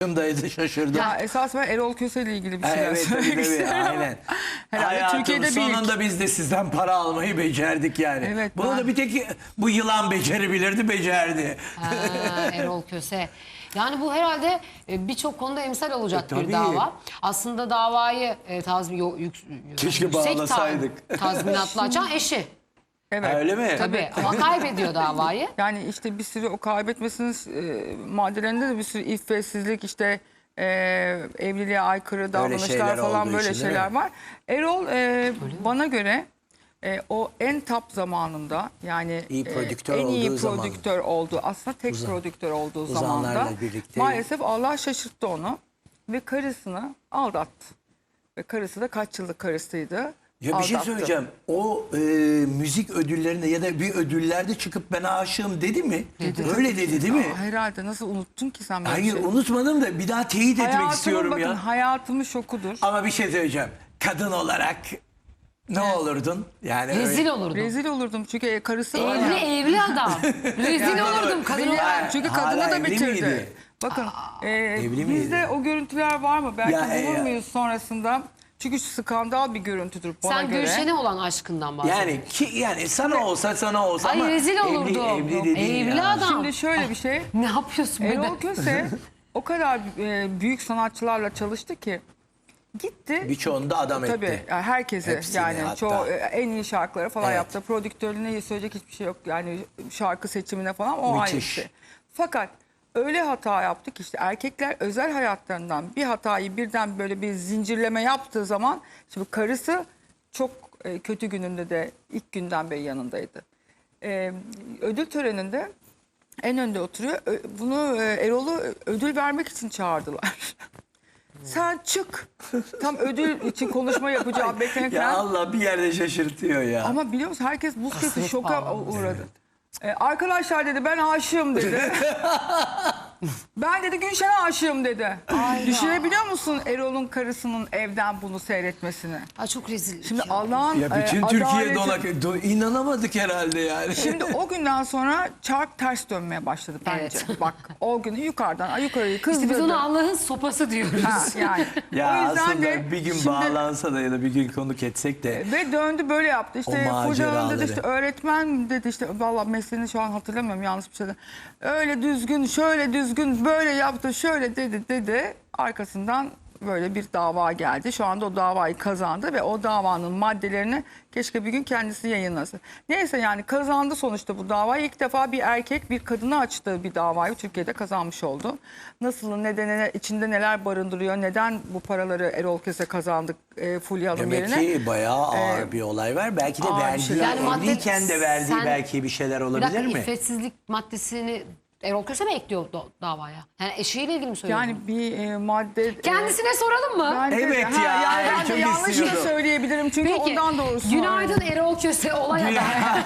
Daydı, şaşırdım. Ya esas ben Erol Köse ile ilgili bir şeyler Evet, söylemek tabii, istiyorum. aynen. Herhalde Hayatım Türkiye'de sonunda biz de sizden para almayı becerdik yani. Evet, Bunu da bir tek bu yılan becerebilirdi, becerdi. Erol Köse. Yani bu herhalde birçok konuda emsal olacak bir tabii. dava. Aslında davayı Keşke yüksek bağlasaydık. tazminatla açan eşi. Evet. Ha, öyle mi? Tabii ama kaybediyor davayı. Yani işte bir sürü o kaybetmesinin maddelerinde de bir sürü iffetsizlik, işte evliliğe aykırı davranışlar şeyler falan, olduğu böyle için, değil şeyler mi? var. Erol bana göre o en top zamanında, yani İyi prodüktör en iyi olduğu zaman. prodüktör olduğu, aslında tek prodüktör olduğu zamanda Uzanlarla birlikte. maalesef Allah şaşırttı onu ve karısını aldattı. Ve karısı da kaç yıllık karısıydı. Ya bir şey Aldattı. söyleyeceğim. O müzik ödüllerinde ya da bir ödüllerde çıkıp ben aşığım dedi mi? Öyle dedi değil mi? Herhalde, nasıl unuttun ki sen böyle Hayır bir şey? unutmadım da bir daha teyit etmek Hayatımın, istiyorum bakın, ya. hayatımın şokudur. Ama bir şey söyleyeceğim. Kadın olarak ne olurdun? Yani Rezil olurdum. Rezil olurdum çünkü karısı var ya. Evli adam. Rezil olurdum kadın Beni- olarak. çünkü Hala kadını da evli bitirdi. miydi? Bakın evli bizde miydi? o görüntüler var mı? Belki Ya, bulur ya. muyuz sonrasında? Çünkü skandal bir görüntüdür bana Sen göre. Gülşen'e olan aşkından bahsediyorsun. yani sana olsa Ay ama rezil olurdum. evli dediğin Evli ya. adam. Şimdi şöyle bir şey. Ne yapıyorsun be? Erol Köse o kadar büyük sanatçılarla çalıştı ki gitti. Birçoğunu da adam Tabii etti. yani herkesi, Hepsini yani hatta. çoğu en iyi şarkıları falan Evet. yaptı. Prodüktörlüğüne söyleyecek hiçbir şey yok. Yani şarkı seçimine falan o ayrı bir Müthiş. şey. Fakat öyle hata yaptık, işte erkekler özel hayatlarından bir hatayı birden böyle bir zincirleme yaptığı zaman, şimdi karısı çok kötü gününde de ilk günden beri yanındaydı. Ödül töreninde en önde oturuyor. Bunu Erol'u ödül vermek için çağırdılar. Sen çık. Tam ödül için konuşma yapacağım beklerken. Ya Allah bir yerde şaşırtıyor ya. Ama biliyor musun, herkes buz kesti, Hasret şoka bağlandı. uğradı. Arkadaşlar dedi, ben aşığım dedi. Ben dedi Gülşen'e aşığım dedi. Düşünebiliyor musun Erol'un karısının evden bunu seyretmesini? Ay çok rezil. Şimdi Allah'ın Ya bütün Türkiye adaleti- inanamadık herhalde yani. Şimdi o günden sonra çark ters dönmeye başladı bence. Evet. Bak o günü yukarıdan yukarıyı İşte kızdırdı. biz ona Allah'ın sopası diyoruz. Ha, yani. Ya o yüzden aslında de bir gün şimdi- bağlansa da ya da bir gün konuk etsek de. Ve döndü böyle yaptı. İşte O kocanın maceraları. dedi, işte öğretmen dedi, işte vallahi mesleğini şu an hatırlamıyorum, yanlış bir şey dedi. Öyle düzgün, şöyle düzgün, böyle yaptı, şöyle dedi. Arkasından böyle bir dava geldi. Şu anda o davayı kazandı ve o davanın maddelerini keşke bir gün kendisi yayınlasın. Neyse, yani kazandı sonuçta bu davayı. İlk defa bir erkek bir kadına açtığı bir davayı Türkiye'de kazanmış oldu. Nasıl, nedeni, içinde neler barındırıyor, neden bu paraları Erol Köse kazandık Fulya Hanım Demek yerine? ki bayağı ağır bir olay var. Belki de ağır bir verdiği, şeyler. Yani madde- evliyken de verdiği sen- belki bir şeyler Bir olabilir dakika, mi? iffetsizlik maddesini Erol Köse mi ekliyor davaya? Yani eşiyle ilgili mi söylüyorsun? Yani bir madde... Kendisine soralım mı? bence- Evet ha, ya, yani ben de çok yanlış da istiyordum. söyleyebilirim çünkü Peki, ondan doğrusu. günaydın Erol Köse olay adamı.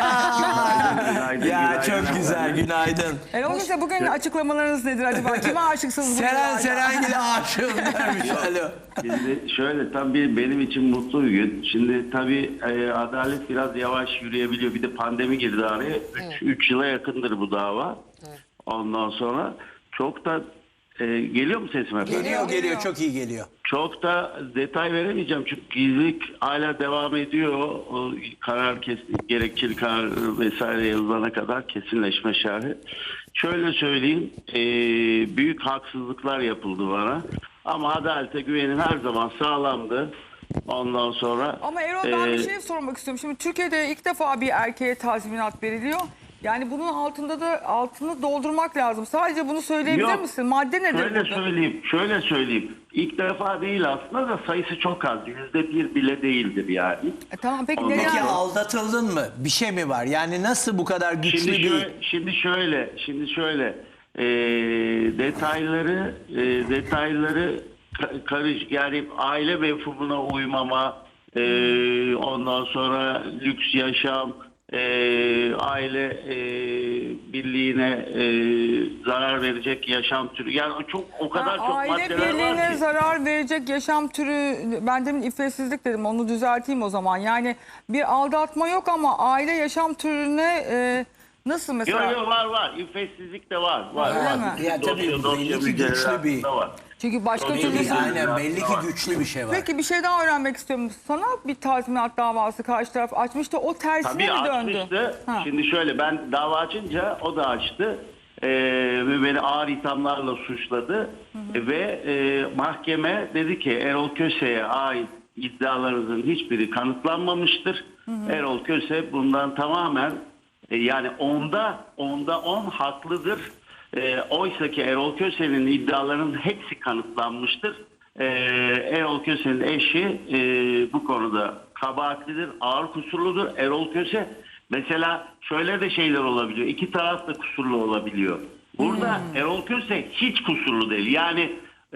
Günaydın, Ya günaydın çok efendim. güzel, günaydın. Erol Köse, bugün açıklamalarınız nedir acaba? Kime aşıksınız bugün? Seren Serengil'e aşığım dermiş. Alo. Şimdi şöyle, tabii benim için mutlu bir gün. Şimdi tabii adalet biraz yavaş yürüyebiliyor. Bir de pandemi girdi araya. 3 yıla yakındır bu dava. Ondan sonra çok da geliyor mu sesim efendim? Geliyor, çok iyi geliyor. Çok da detay veremeyeceğim çünkü gizlilik hala devam ediyor. O karar gerekçeli karar vesaire yazılana kadar kesinleşme şerhi. Şöyle söyleyeyim, büyük haksızlıklar yapıldı bana. Ama adalete güvenim her zaman sağlamdı. Ondan sonra... Ama Erol, ben bir şey sormak istiyorum. Şimdi Türkiye'de ilk defa bir erkeğe tazminat veriliyor. Yani bunun altını doldurmak lazım. Sadece bunu söyleyebilir Yok. misin? Madde nedir Şöyle söyleyeyim. İlk defa değil aslında da sayısı çok az. %1 bile değildir yani. Tamam, peki Ondan neden? Peki sonra- aldatıldın mı? Bir şey mi var? Yani nasıl bu kadar güçlü Şimdi şöyle detayları karış, yani aile mefhumuna uymama, ondan sonra lüks yaşam, aile birliğine zarar verecek yaşam türü, yani o kadar çok Aile maddeler var birliğine ki. zarar verecek yaşam türü, ben demin iffetsizlik dedim, onu düzelteyim o zaman. Yani bir aldatma yok ama aile yaşam türüne Nasıl mesela? Yok var. İffetsizlik de var. Öyle mi? Ya tabii Dosya belli ki güçlü mücadelesi bir... de var. Çünkü başka Tabii, türlü... tabii. Aynen belli ki güçlü bir şey var. Peki bir şey daha öğrenmek istiyorum. Sana bir tazminat davası karşı taraf açmıştı. O tersine Tabii mi döndü? açmıştı. Ha. Şimdi şöyle, ben dava açınca o da açtı. Ve beni ağır ithamlarla suçladı. Ve mahkeme dedi ki Erol Köse'ye ait iddialarınızın hiçbiri kanıtlanmamıştır. Erol Köse bundan tamamen yani onda 10 haklıdır. Oysa ki Erol Köse'nin iddialarının hepsi kanıtlanmıştır. Erol Köse'nin eşi bu konuda kabahatlidir, ağır kusurludur. Erol Köse mesela şöyle de şeyler olabiliyor. İki taraf da kusurlu olabiliyor. Burada Erol Köse hiç kusurlu değil. Yani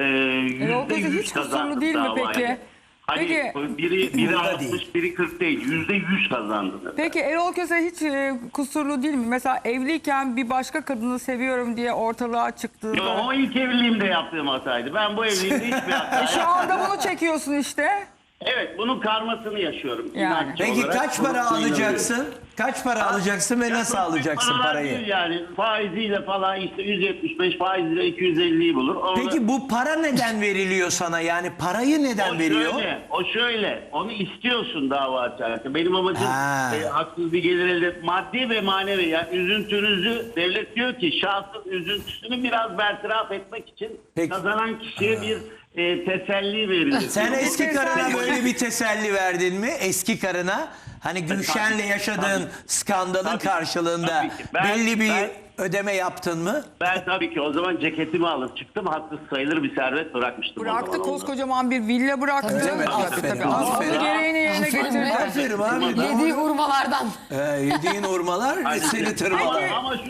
Erol Köse %100 hiç kusurlu kazandı değil mi davayı. peki? Hani Peki- biri Burada 60, değil. biri 40 değil. %100 kazandı. Peki Erol Köse hiç kusurlu değil mi? Mesela evliyken bir başka kadını seviyorum diye ortalığa çıktığında... Yo, o ilk evliliğimde yaptığım hataydı. Ben bu evliliğimde hiçbir hata Şu anda bunu çekiyorsun işte. Evet, bunun karmasını yaşıyorum. Yani. İnançlı Peki olarak kaç bunu para söylüyorum. alacaksın? Kaç para alacaksın ve Ya nasıl çok büyük alacaksın paralar parayı? değil yani faiziyle falan işte 175, faiziyle 250'yi bulur. Orada, Peki bu para neden veriliyor sana? Yani parayı neden veriyor? O şöyle, onu istiyorsun dava açarken. Benim amacım Ha. haksız bir gelir elde et. Maddi ve manevi. Yani üzüntünüzü, devlet diyor ki şahsın üzüntüsünü biraz bertaraf etmek için Peki. kazanan kişiye bir teselli verilir. Sen diyor. eski karına teselli- böyle bir teselli verdin mi? Eski karına hani Gülşen'le yaşadığın skandalın Tabii, karşılığında tabii ki. belli bir Ben- ödeme yaptın mı? Ben tabii ki o zaman ceketimi alıp çıktım. Haksız sayılır bir servet bırakmıştım. o Bıraktı, zaman onlara. koskocaman bir villa bıraktı. Tabii, Öyle mi? Aferin, Aslında aferin. gereğini yerine Aferin getirdi. be. Aferin abi. Yediği hurmalardan. Yediğin hurmalar Aynen. seni tırmalar.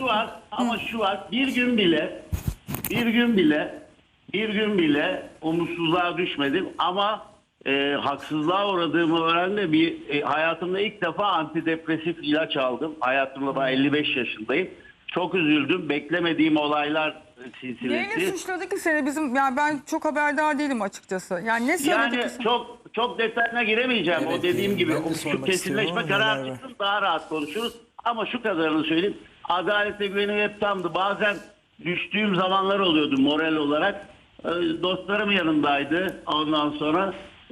Ama şu var. Bir gün bile umutsuzluğa düşmedim ama haksızlığa uğradığımı öğrendim. Hayatımda ilk defa antidepresif ilaç aldım. Hayatımda ben 55 yaşındayım. Çok üzüldüm. Beklemediğim olaylar Neyle silsilesi. suçladı ki seni bizim? Yani ben çok haberdar değilim açıkçası. Yani ne söyledi Yani ki sana? çok detayına giremeyeceğim. Evet, o dediğim gibi ben de şu sormak kesinleşme istiyorum ama kararı neler var? çıksın daha rahat konuşuruz. Ama şu kadarını söyleyeyim. Adalete güvenim hep tamdı. Bazen düştüğüm zamanlar oluyordu moral olarak. Dostlarım yanımdaydı. Ondan sonra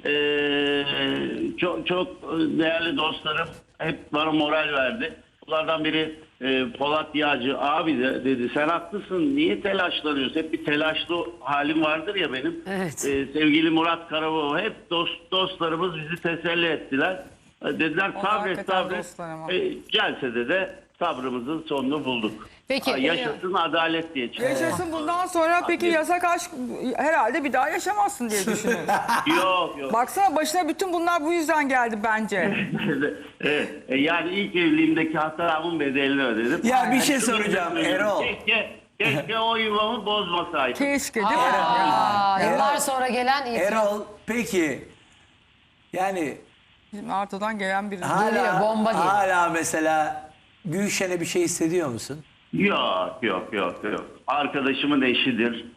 çok değerli dostlarım hep bana moral verdi. Bunlardan biri Polat Yağcı abi de dedi sen haklısın niye telaşlanıyorsun? Hep bir telaşlı halim vardır ya benim. Evet. Sevgili Murat Karababa hep dostlarımız bizi teselli ettiler. Dediler Onlar sabret hakikaten sabret. dostlar ama. Gelse de sabrımızın sonunu bulduk. Peki, Yaşasın adalet diye çıktı. Yaşasın bundan sonra peki yasak aşk herhalde bir daha yaşamazsın diye düşünüyorum. Yok. Baksana başına bütün bunlar bu yüzden geldi bence. Evet, yani ilk evliliğimdeki hatamın bedelini ödedim. Ya bir şey Şunu soracağım söyleyeyim, Erol. Keşke o yuvamı bozmasaydım. Keşke değil mi? Ya. Aa, yıllar Erol- sonra gelen itiraf. Erol peki yani Bizim Arto'dan gelen biri. Geliyor, bomba geliyor. hala mesela Gülşen'e bir şey hissediyor musun? Yok. Arkadaşımın eşidir.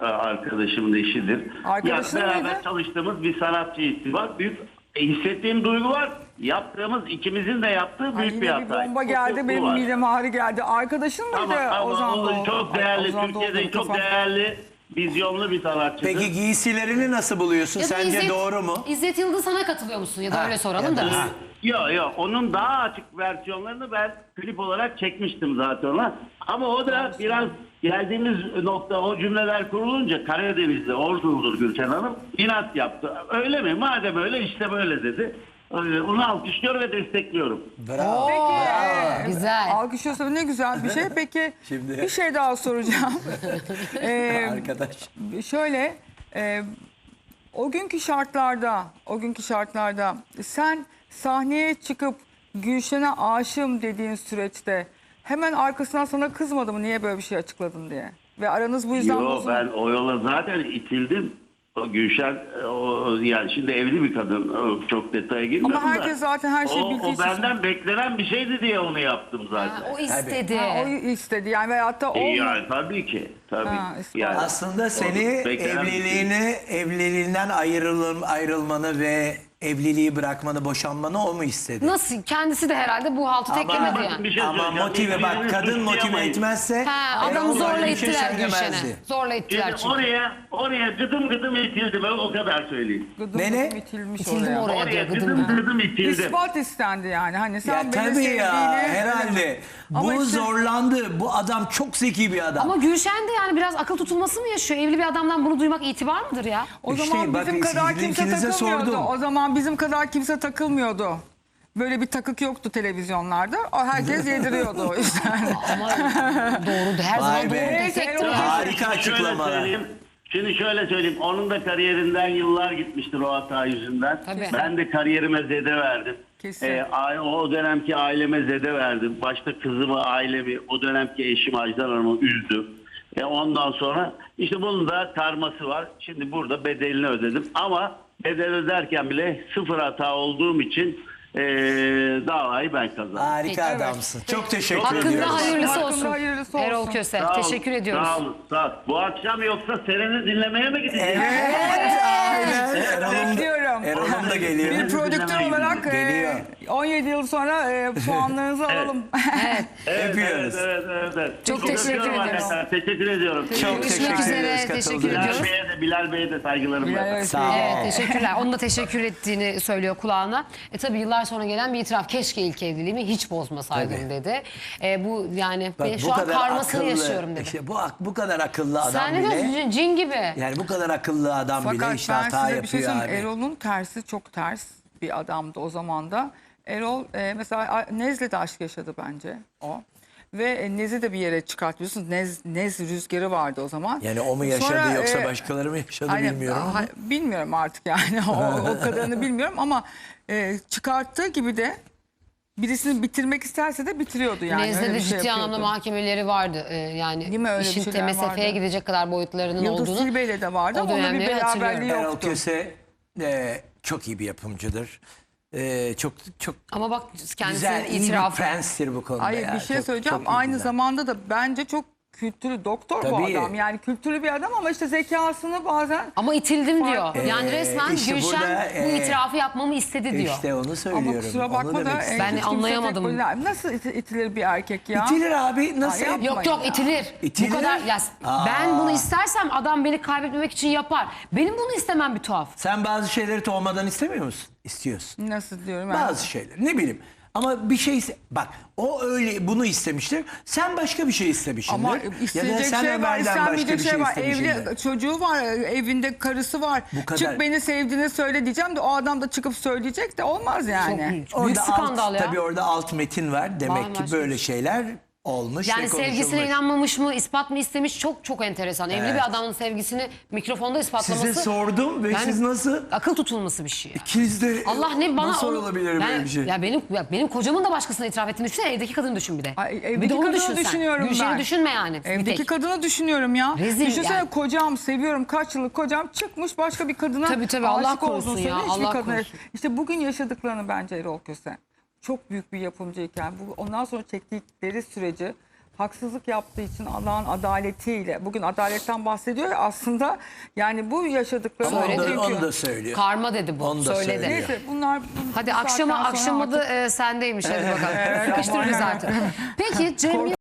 Arkadaşın Ya beraber mıydı? çalıştığımız bir sanatçı var. Büyük hissettiğim duygu var. Yaptığımız ikimizin de yaptığı Ay, büyük bir yine bir hata. bomba geldi benim mideme ağrı geldi. Arkadaşın mıydı Ama Ozan o Doğulu? çok Ay, değerli. Ozan Doğulu Türkiye'de çok kafam. değerli, vizyonlu bir sanatçıdır. Peki giysilerini nasıl buluyorsun? Ya da Sence İzzet- doğru mu? İzzet Yıldız sana katılıyor musun? Ya da Ha, öyle soralım ya da. da- Yok. Onun daha açık versiyonlarını ben klip olarak çekmiştim zaten ona. Ama o da biraz geldiğimiz nokta o cümleler kurulunca Karadeniz'de Ordulu'dur Gülşen Hanım inat yaptı. Öyle mi? Madem öyle işte böyle dedi. Onu alkışlıyorum ve destekliyorum. Bravo. Peki, Güzel. alkışlıyorsa ne güzel bir şey. Peki Şimdi- bir şey daha soracağım. Arkadaş. Şöyle o günkü şartlarda sen sahneye çıkıp Gülşen'e aşığım dediğin süreçte hemen arkasından sana kızmadı mı niye böyle bir şey açıkladın diye? Ve aranız bu yüzden Yo bozuldu. ben o yola zaten itildim. O Gülşen yani şimdi evli bir kadın. Çok detaya girmiyorum Ama herkes da. zaten her şeyi bildiği O için. benden beklenen bir şeydi diye onu yaptım zaten. Ha, o istedi. Ha, o istedi yani veyahut da o Yani tabii ki. Ha, ispat. Aslında seni beklenen bir şey. evliliğinden ayrılmanı ve evliliği bırakmanı, boşanmanı o mu istedi? Nasıl? Kendisi de herhalde bu haltı teklemedi bakın yani. bir şey Ama söyleyeceğim. motive bak, Birbirini kadın motive suçlayamayız. etmezse Ha, adamı Erol zorla böyle bir şey ittiler söylemezdi. Gülşen'e. Zorla ittiler Şimdi çünkü. oraya gıdım gıdım itildi, ben o kadar söyleyeyim. Gıdım Ne? gıdım itilmiş İtildim oraya. oraya Oraya diyor gıdım gıdım gıdım. gıdım itildi. İspat istendi yani. Hani sen Ya beni tabii sevdiğini... ya, herhalde. Ama Bu işte- zorlandı. Bu adam çok zeki bir adam. Ama Gülşen de yani biraz akıl tutulması mı yaşıyor? Evli bir adamdan bunu duymak itibar mıdır ya? O İşte zaman bak, bizim kadar sizin kimse ikinize takılmıyordu. sordum. O zaman bizim kadar kimse takılmıyordu. Böyle bir takık yoktu televizyonlarda. O herkes yediriyordu işte. Ama doğru, her Vay zaman be. doğru Neyse, destektir Erol ya. Harika Şöyle açıklamalar. söyleyeyim. Şimdi şöyle söyleyeyim. Onun da kariyerinden yıllar gitmiştir o hata yüzünden. Tabii. Ben de kariyerime zede verdim. Kesin. O dönemki aileme zede verdim. Başta kızımı, ailemi, o dönemki eşim Ajdan Hanım'ı üzdüm. Ondan sonra işte bunun da karması var. Şimdi burada bedelini ödedim. Ama bedel öderken bile sıfır hata olduğum için davayı ben kazandım. Harika Peki, evet. adamsın. Çok teşekkür Hakkında ediyoruz. hayırlısı Hakkında olsun. hayırlısı olsun. Erol Köse. Sağ olun, Teşekkür ediyoruz. Sağ olun, sağ olun. Bu akşam yoksa Seren'i dinlemeye mi gideceğiz? Evet, aynen. Bekliyorum. Erol'um da geliyor. Bir prodüktör Dinlemeyin. olarak Geliyor. 17 yıl sonra puanlarınızı alalım. Evet, Öpüyoruz. evet. Çok teşekkür öpüyorum ediyoruz. arkadaşlar. Teşekkür ediyorum. Çok Görüşmek teşekkür üzere, ederiz teşekkür katıldığınız ediyoruz. için. Bilal Bey'e de saygılarımı. Bilal Sağ ol. Evet, teşekkürler. Onun da teşekkür ettiğini söylüyor kulağına. Tabii yıllar sonra gelen bir itiraf. Keşke ilk evliliğimi hiç bozmasaydım Tabii. dedi. Bu yani Bak, ben bu şu an kadar karmasını akıllı, yaşıyorum dedi. işte bu kadar akıllı adam Sen ne bile. diyorsun cin gibi? Yani bu kadar akıllı adam bile Fakat işte ben hata size bir şey yapıyor söyleyeyim. abi. Erol'un tersi çok ters bir adamdı o zaman da. Erol mesela Nez'le de aşk yaşadı bence o. Ve Nez'i de bir yere çıkartıyorsunuz. Nez rüzgarı vardı o zaman. Yani o mu yaşadı Sonra, yoksa başkaları mı yaşadı Aynen, bilmiyorum ama. bilmiyorum artık yani o kadarını bilmiyorum ama çıkarttığı gibi de birisini bitirmek isterse de bitiriyordu yani. Nez'de Öyle de bir şey ciddi anlamda yapıyordu. mahkemeleri vardı. Yani Değil mi? Öyle bir işin şeyler MSF'ye vardı. gidecek kadar boyutlarının Yıldız olduğunu. Tilbe'yle de vardı o ama onun bir dönemleri beraberliği hatırlıyorum. Erol yoktu. Köse çok iyi bir yapımcıdır. Çok Ama bak güzel, kendisinin iyi bir itirafı. prenstir bu konuda. Hayır ya. bir şey Çok- söyleyeceğim. çok iyi Aynı güzel. zamanda da bence çok kültürlü doktor bu Tabii. adam. Yani kültürlü bir adam ama işte zekasını bazen Ama itildim diyor. Yani resmen işte Gülşen burada, bu itirafı yapmamı istedi diyor. İşte onu söylüyorum. ama kusura onu bakma da demek istedim. Ben hiç kimse anlayamadım. tek başına- Nasıl itilir bir erkek ya? İtilir abi nasıl? Ay, yapma. Yok yok ya. itilir. İtilir. Bu kadar ya Aa. ben bunu istersem adam beni kaybetmemek için yapar. Benim bunu istemem bir tuhaf. Sen bazı şeyleri tohmadan istemiyor musun? İstiyorsun. Nasıl diyorum ben? Bazı şeyler ne bileyim. Ama bir şey bak o öyle bunu istemiştir. Sen başka bir şey istemişsindir. Ama ya da isteyecek sen şey var, Ömer'den başka istenmeyecek bir şey şey var. istemişsindir. Evli çocuğu var, evinde karısı var. Bu kadar. Çık beni sevdiğini söyle diyeceğim de o adam da çıkıp söyleyecek de olmaz yani. Çok büyük skandal ya. Tabii orada alt metin var. Demek Var, ki var. böyle şeyler olmuş Yani ve konuşulmuş. sevgisine inanmamış mı, ispat mı istemiş çok çok enteresan. Evli Evet. bir adamın sevgisini mikrofonda ispatlaması. Size sordum ve Yani siz nasıl? Akıl tutulması bir şey. İkiniz de Allah ne bana nasıl onu- olabilir Yani- böyle bir şey? Ya benim kocamın da başkasına itiraf ettiğini düşünsene, evdeki kadını düşün bir de. Ay, Bir evdeki de onu kadını düşün sen. düşünüyorum Gülşen'i ben. düşünme yani. bir Evdeki tek. kadını düşünüyorum ya. Rezil Düşünsene yani. kocam seviyorum kaç yıllık kocam çıkmış başka bir kadına Tabii, Allah aşık korusun olduğunu ya, söylüyor, hiçbir Allah kadına- korusun. İşte bugün yaşadıklarını bence Erol Köse çok büyük bir yapımcıyken ondan sonra çektikleri süreci haksızlık yaptığı için Allah'ın adaletiyle bugün adaletten bahsediyor ya aslında yani bu yaşadıkları Ama Söyledi. onu da söylüyor. Karma dedi bu. Onu da söyledi. söylüyor. Neyse bunlar Hadi bu saatten sonra akşama artık- sendeymiş hadi bakalım. Sıkıştırırız artık. Peki Cem